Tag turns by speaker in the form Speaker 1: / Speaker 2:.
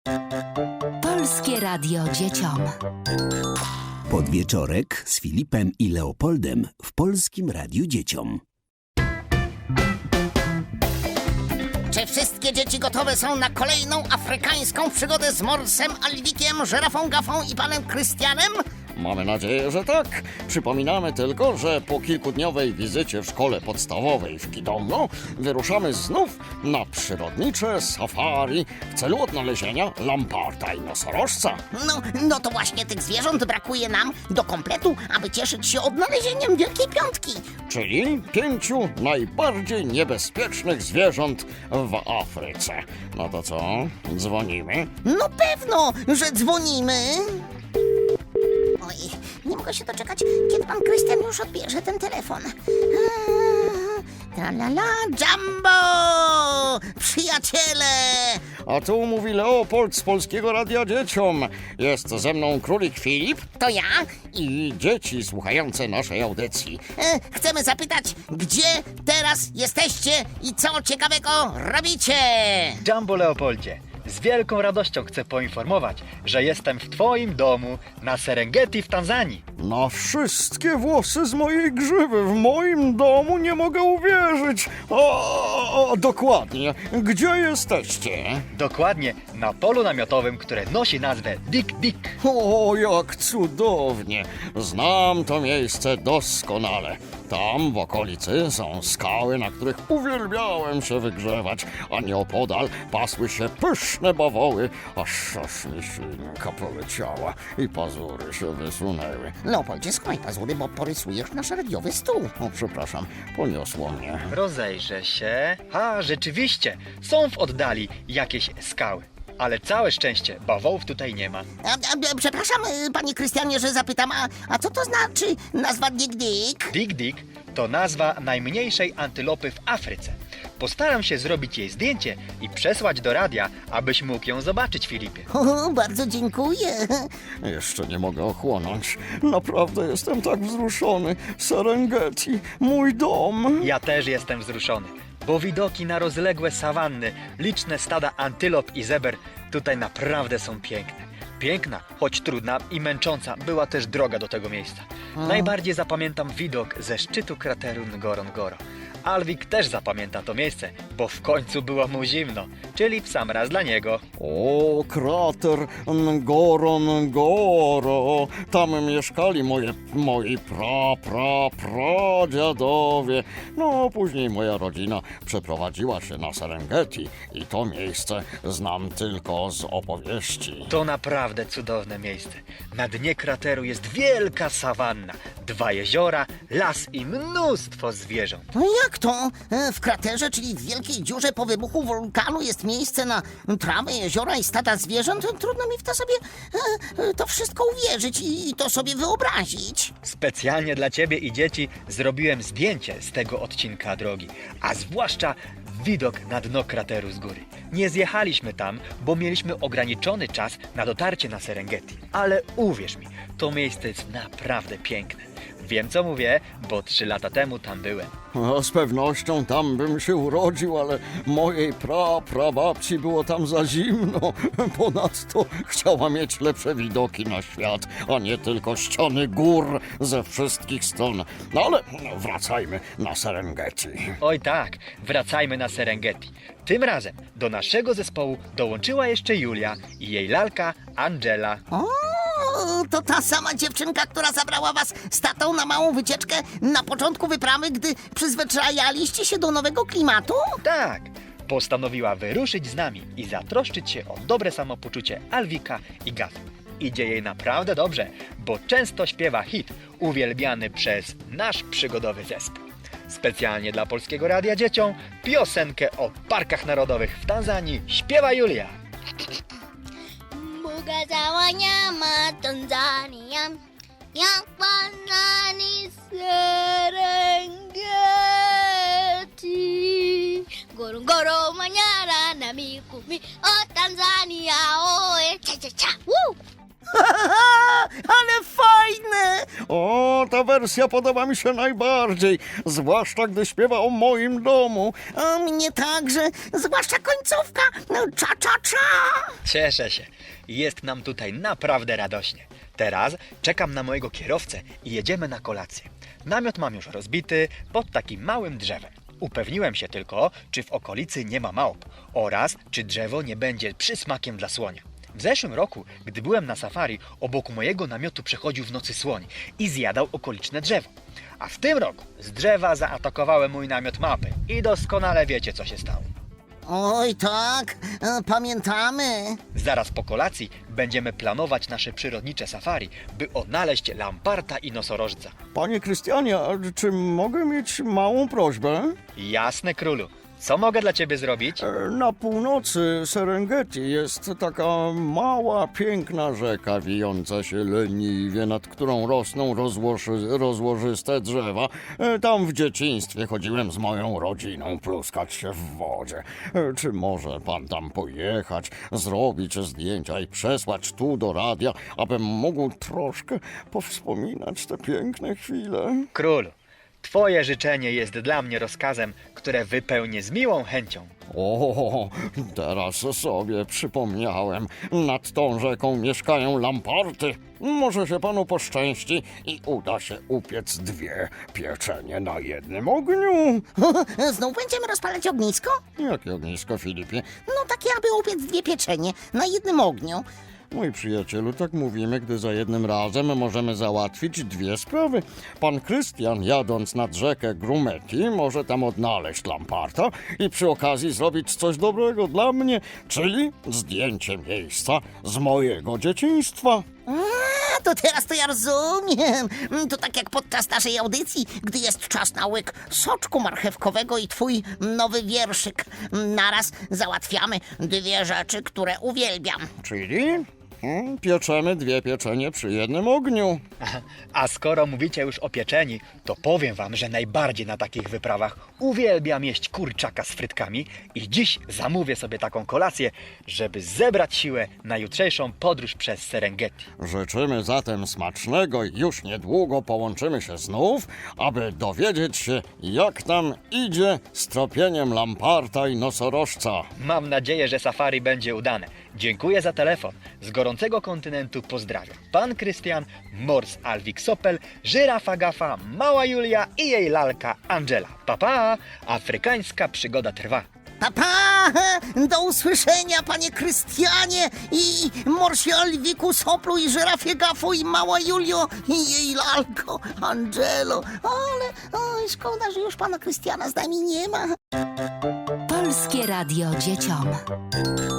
Speaker 1: Polskie Radio dzieciom.
Speaker 2: Podwieczorek z Filipem i Leopoldem w Polskim Radiu Dzieciom.
Speaker 3: Czy wszystkie dzieci gotowe są na kolejną afrykańską przygodę z Morsem, Alwikiem, Żyrafą Gafą i panem Krystianem?
Speaker 4: Mamy nadzieję, że tak. Przypominamy tylko, że po kilkudniowej wizycie w szkole podstawowej w Kidomno wyruszamy znów na przyrodnicze safari w celu odnalezienia lamparta i nosorożca.
Speaker 3: No to właśnie tych zwierząt brakuje nam do kompletu, aby cieszyć się odnalezieniem Wielkiej Piątki.
Speaker 4: Czyli 5 najbardziej niebezpiecznych zwierząt w Afryce. No to co? Dzwonimy?
Speaker 3: No pewno, że dzwonimy. Oj, nie mogę się doczekać, kiedy pan Krystian już odbierze ten telefon. Tra-la-la, Jumbo! Przyjaciele!
Speaker 4: A tu mówi Leopold z Polskiego Radia Dzieciom. Jest ze mną królik Filip
Speaker 3: To ja?
Speaker 4: i dzieci słuchające naszej audycji.
Speaker 3: Chcemy zapytać, gdzie teraz jesteście i co ciekawego robicie?
Speaker 5: Jumbo Leopoldzie, z wielką radością chcę poinformować, że jestem w twoim domu na Serengeti w Tanzanii.
Speaker 4: Na wszystkie włosy z mojej grzywy w moim domu nie mogę uwierzyć. Dokładnie. Gdzie jesteście?
Speaker 5: Dokładnie na polu namiotowym, które nosi nazwę Dik Dik.
Speaker 4: O, jak cudownie. Znam to miejsce doskonale. Tam w okolicy są skały, na których uwielbiałem się wygrzewać, a nieopodal pasły się pyszne bawoły, aż mi ślinka poleciała i pazury się wysunęły.
Speaker 3: Leopoldzie, schowaj pazury, bo porysujesz nasz radiowy stół.
Speaker 4: O, przepraszam, poniosło mnie.
Speaker 5: Rozejrzę się. Rzeczywiście, są w oddali jakieś skały. Ale całe szczęście, bawołów tutaj nie ma.
Speaker 3: Przepraszam, panie Krystianie, że zapytam, a co to znaczy nazwa Dik Dik?
Speaker 5: Dik Dik to nazwa najmniejszej antylopy w Afryce. Postaram się zrobić jej zdjęcie i przesłać do radia, abyś mógł ją zobaczyć, Filipie.
Speaker 3: O, bardzo dziękuję.
Speaker 4: Jeszcze nie mogę ochłonąć. Naprawdę jestem tak wzruszony. Serengeti, mój dom.
Speaker 5: Ja też jestem wzruszony, bo widoki na rozległe sawanny, liczne stada antylop i zeber tutaj naprawdę są piękne. Piękna, choć trudna i męcząca była też droga do tego miejsca. Najbardziej zapamiętam widok ze szczytu krateru Ngorongoro. Alwik też zapamięta to miejsce, bo w końcu było mu zimno, czyli w sam raz dla niego.
Speaker 4: O, krater Ngorongoro. Tam mieszkali moi pradziadowie. No, później moja rodzina przeprowadziła się na Serengeti i to miejsce znam tylko z opowieści.
Speaker 5: To naprawdę cudowne miejsce. Na dnie krateru jest wielka sawanna, 2 jeziora, las i mnóstwo zwierząt.
Speaker 3: No jak to? W kraterze, czyli w wielkiej dziurze po wybuchu wulkanu jest miejsce na trawę, jeziora i stada zwierząt? Trudno mi w to sobie to wszystko uwierzyć i to sobie wyobrazić.
Speaker 5: Specjalnie dla ciebie i dzieci zrobiłem zdjęcie z tego odcinka drogi, a zwłaszcza widok na dno krateru z góry. Nie zjechaliśmy tam, bo mieliśmy ograniczony czas na dotarcie na Serengeti. Ale uwierz mi, to miejsce jest naprawdę piękne. Wiem, co mówię, bo 3 lata temu tam byłem.
Speaker 4: No, z pewnością tam bym się urodził, ale mojej prababci było tam za zimno. Ponadto chciała mieć lepsze widoki na świat, a nie tylko ściany gór ze wszystkich stron. No ale wracajmy na Serengeti.
Speaker 5: Oj tak, wracajmy na Serengeti. Tym razem do naszego zespołu dołączyła jeszcze Julia i jej lalka Angela.
Speaker 3: O, to ta sama dziewczynka, która zabrała was z tatą na małą wycieczkę na początku wyprawy, gdy przyzwyczajaliście się do nowego klimatu?
Speaker 5: Tak, postanowiła wyruszyć z nami i zatroszczyć się o dobre samopoczucie Alwika i Gafy. Idzie jej naprawdę dobrze, bo często śpiewa hit uwielbiany przez nasz przygodowy zespół. Specjalnie dla Polskiego Radia Dzieciom piosenkę o parkach narodowych w Tanzanii śpiewa Julia.
Speaker 6: Mbuga za wanyama Tanzania, Yapana ni Serengeti, Ngorongoro, Manyara na Mikumi, o Tanzania, cha cha cha, woo!
Speaker 3: Ale fajne!
Speaker 4: O, ta wersja podoba mi się najbardziej, zwłaszcza gdy śpiewa o moim domu.
Speaker 3: A mnie także, zwłaszcza końcówka. Cza, cza, cza.
Speaker 5: Cieszę się. Jest nam tutaj naprawdę radośnie. Teraz czekam na mojego kierowcę i jedziemy na kolację. Namiot mam już rozbity pod takim małym drzewem. Upewniłem się tylko, czy w okolicy nie ma małp oraz czy drzewo nie będzie przysmakiem dla słonia. W zeszłym roku, gdy byłem na safari, obok mojego namiotu przechodził w nocy słoń i zjadał okoliczne drzewo. A w tym roku z drzewa zaatakowały mój namiot mapy i doskonale wiecie, co się stało.
Speaker 3: Oj, tak, pamiętamy.
Speaker 5: Zaraz po kolacji będziemy planować nasze przyrodnicze safari, by odnaleźć lamparta i nosorożca.
Speaker 4: Panie Krystianie, a czy mogę mieć małą prośbę?
Speaker 5: Jasne, królu. Co mogę dla ciebie zrobić?
Speaker 4: Na północy Serengeti jest taka mała, piękna rzeka wijąca się leniwie, nad którą rosną rozłożyste drzewa. Tam w dzieciństwie chodziłem z moją rodziną pluskać się w wodzie. Czy może pan tam pojechać, zrobić zdjęcia i przesłać tu do radia, abym mógł troszkę powspominać te piękne chwile?
Speaker 5: Królu, twoje życzenie jest dla mnie rozkazem, które wypełnię z miłą chęcią.
Speaker 4: O, teraz sobie przypomniałem. Nad tą rzeką mieszkają lamparty. Może się panu poszczęści i uda się upiec 2 pieczenie na jednym ogniu.
Speaker 3: Znów będziemy rozpalać ognisko?
Speaker 4: Jakie ognisko, Filipie?
Speaker 3: No takie, aby upiec 2 pieczenie na jednym ogniu.
Speaker 4: Mój przyjacielu, tak mówimy, gdy za jednym razem możemy załatwić 2 sprawy. Pan Krystian, jadąc nad rzekę Grumeti, może tam odnaleźć lamparta i przy okazji zrobić coś dobrego dla mnie, czyli zdjęcie miejsca z mojego dzieciństwa.
Speaker 3: A, to teraz to ja rozumiem. To tak jak podczas naszej audycji, gdy jest czas na łyk soczku marchewkowego i twój nowy wierszyk. Naraz załatwiamy 2 rzeczy, które uwielbiam.
Speaker 4: Czyli pieczemy 2 pieczenie przy jednym ogniu.
Speaker 5: A skoro mówicie już o pieczeni, to powiem wam, że najbardziej na takich wyprawach uwielbiam jeść kurczaka z frytkami i dziś zamówię sobie taką kolację, żeby zebrać siłę na jutrzejszą podróż przez Serengeti.
Speaker 4: Życzymy zatem smacznego i już niedługo połączymy się znów, aby dowiedzieć się, jak tam idzie z tropieniem lamparta i nosorożca.
Speaker 5: Mam nadzieję, że safari będzie udane. Dziękuję za telefon. Z gorącego kontynentu pozdrawiam. Pan Krystian, Mors Alwik Sopel, Żyrafa Gafa, Mała Julia i jej lalka Angela. Pa! Afrykańska przygoda trwa.
Speaker 3: Papa! Do usłyszenia, panie Krystianie i Morsie Alwiku Soplu i Żyrafie Gafu i Mała Julio i jej lalko Angelo. Ale oj, szkoda, że już pana Krystiana z nami nie ma.
Speaker 1: Polskie Radio Dzieciom.